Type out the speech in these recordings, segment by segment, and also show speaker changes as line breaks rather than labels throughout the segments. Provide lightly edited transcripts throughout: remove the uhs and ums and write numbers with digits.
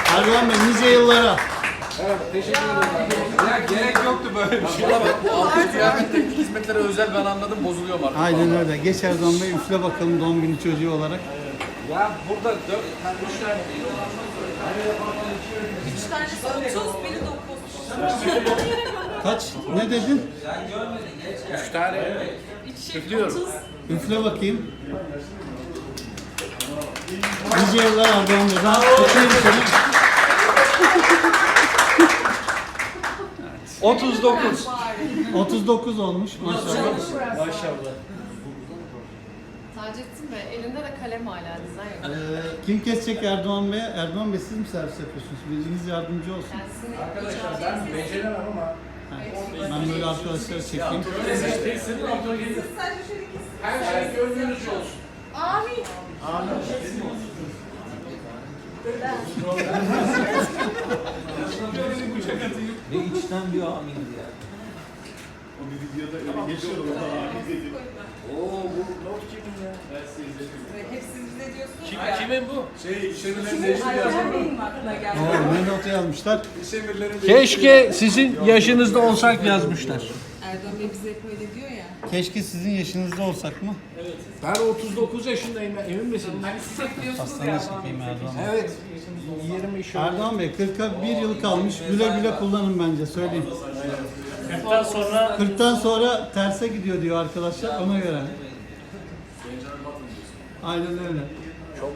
Erdoğan Bey nice yıllara.
Evet, teşekkür ederim. Ya gerek yoktu böyle bir şey.
Bu altı kıyafetteki hizmetlere özel ben anladım, bozuluyorum artık.
Aynen öyle. Geç Erdoğan Bey, üfle bakalım doğum günü çocuğu olarak.
Ya burada 3 tane.
3 tanesi 30, biri 9.
Kaç? Ne dedin?
3 tane.
3
Üflüyorum.
30.
Üfle bakayım. Nice yıllar Erdoğan Bey. Ben öpeyim seni.
39.
39 olmuş maşallah.
Maşallah.
Taceddin Bey, elinde de kalem hala dizayn yok.
Kim kesecek Erdoğan Bey? Erdoğan Bey siz mi servis yapıyorsunuz? Biriniz yardımcı olsun.
Yani sizin
Arkadaşlar ben beceremem ama
Ben böyle arkadaşları çekeyim.
her şey gönlünüzce olsun.
Amin.
Ne içten diyor amin diye.
Oo bu not kimin ya?
Hepsi bize diyorsunuz
Kim,
ya.
kimin bu?
Aynen benim aklına geldi.
Oo, ne notu yazmışlar?
Keşke sizin yaşınızda olsak yazmışlar.
Erdoğan Bey bize hep öyle diyor ya.
Keşke sizin yaşınızda olsak mı?
Ben 39 yaşındayım, emin misiniz?
Hastaneye çekeyim Erdoğan Bey.
Evet. 20 şöyle.
Erdoğan Bey 40'a 1 yıl kalmış. Güle güle kullanın bence söyleyeyim. 40'tan sonra terse gidiyor diyor arkadaşlar ona göre. Aynen öyle.
Çok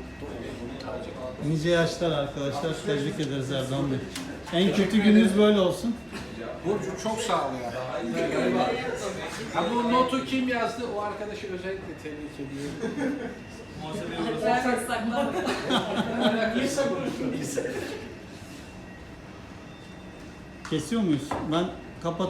Nice yaşlar arkadaşlar. Tebrik ederiz Erdoğan Bey. En kötü gününüz böyle olsun.
Burcu çok sağ ol ya. Ha, bu notu kim yazdı? O arkadaşı özellikle tebrik ediyorum.
Ben saklandım.
Kesiyor muyuz? Ben kapat.